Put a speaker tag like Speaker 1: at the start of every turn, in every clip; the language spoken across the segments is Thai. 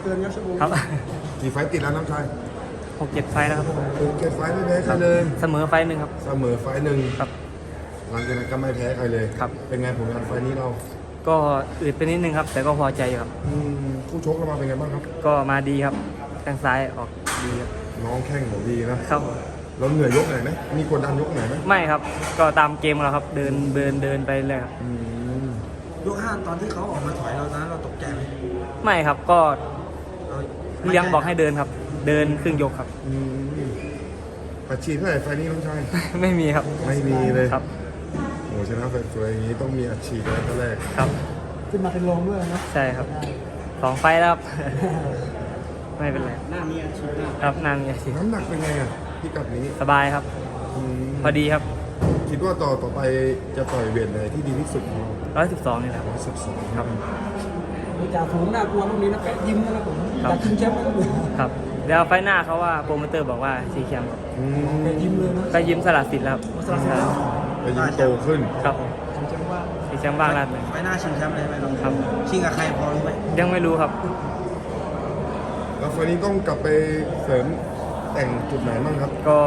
Speaker 1: เกินครับชั่วโมง
Speaker 2: ครับ
Speaker 3: กี่ไฟต์ติดแล้วน้องชาย
Speaker 2: 6-7 ไฟล์แล้วครับ
Speaker 3: 6-7 ไฟต์ไม่แพ้ใครเลย
Speaker 2: เสมอไฟล์หนึ่งครับ
Speaker 3: เสมอไฟต์หนึ่ง
Speaker 2: ครับ
Speaker 3: หลังจากนั้นก็ไม่แพ้ใครเลย
Speaker 2: ครับ
Speaker 3: เป็นไงผลงานไฟต์นี้เรา
Speaker 2: ก็อืดไปนิดนึงครับ แต่ก็พอใจอยู่ครับ
Speaker 3: คู่ชกเรามาเป็นไงบ้างครับ
Speaker 2: ก็มาดีครับแข้งซ้ายออกดีครับ
Speaker 3: น้องแข้งของดีนะครับ เราเหนื่อยยกไหนไหมมีกดดันยกไหนไหม
Speaker 2: ไม่ครับ ก็ตามเกมเราครับ เดินไปเลยครับ
Speaker 1: ยก 5ตอนที่เขาออกมาถอยเราตอนนั้นเราตกใจไหม
Speaker 2: ไม่ครับ ก็
Speaker 1: เรา
Speaker 2: เลี้ยงบอกให้เดินครับ เดินครึ่งยกครับ
Speaker 3: ปัดฉีดเท่าไหร่ไฟต์นี้น้องชาย
Speaker 2: ไม่มีครับ
Speaker 3: ไม่มีเลย
Speaker 2: ครับ
Speaker 3: โอ้ชนะสวยๆอย่างนี้ต้องมีอัดฉีดแล้วตอนแรก
Speaker 2: ครับ
Speaker 1: ขึ้นมาเป็นรองด้วยนะ
Speaker 2: ใช่ครับ2 ไฟล์แล้วครับ ไม่เป็นไร
Speaker 1: หน้ามีอาชีพหน้า
Speaker 2: ครับนานมีอาชีพ
Speaker 3: น้ำหนักเป็นไงอ่ะพิกัดนี้
Speaker 2: สบายครับ พอดีครับ
Speaker 3: คิดว่าต่อไปจะต่อยเวทไหนที่ดีที่สุดของเรา
Speaker 2: 112นี่แหละครับ
Speaker 3: 112
Speaker 2: ครับ
Speaker 1: จ่าฝูงน่ากลัวตรงนี้นะแปะยิ้มนะครับผม
Speaker 2: ครับ
Speaker 1: อยากชิงแชมป์ไหมครับผม
Speaker 2: ครับแล้วไฟล์หน้าเขาว่าโปรโมเตอร์บอกว่าสีแชมป์ครับ
Speaker 1: แปะยิ้มเลยนะ
Speaker 2: ก็ยิ้มสลัดสิทธิ์แล้วครับ
Speaker 1: สลัดสิทธิ์แล้ว
Speaker 3: ไปยิงโตขึ้น
Speaker 2: ครับ
Speaker 1: ชิงแชมป์ว่า
Speaker 2: สีแชมป์บ้างแล้วเลย
Speaker 1: ไฟหน้าชิงแชมป์เลยไหมครับ
Speaker 2: ครับ
Speaker 1: ชิงกับใครพอรู้ไหม
Speaker 2: ยังไม่รู้ครับ
Speaker 3: แล้วไฟล์นี้ต้องกลับไปเสริมแต่งจุดไหนบ้างครับ
Speaker 2: ก็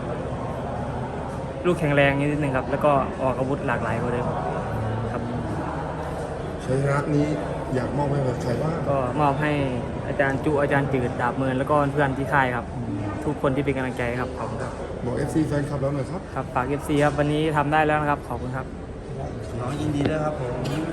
Speaker 2: ลูกแข็งแรงนิดนึงครับ แล้วก็ออกอาวุธหลากหลายกว่าเดิมครับ
Speaker 3: ชัยชนะนี้อยากมอบให้กับใครบ้าง
Speaker 2: ก็มอบให้อาจารย์จุอาจารย์จืดดาบเมินแล้วก็เพื่อนที่ค่ายครับ ทุกคนที่เป็นกำลังใจครับขอบคุณครับ
Speaker 3: บอก FC แฟนคลับแล้วหน่อยครับ
Speaker 2: ครับฝาก FC ครับวันนี้ทำได้แล้วนะครับขอบคุณครับ
Speaker 1: น้องยินดีด้วยครับผม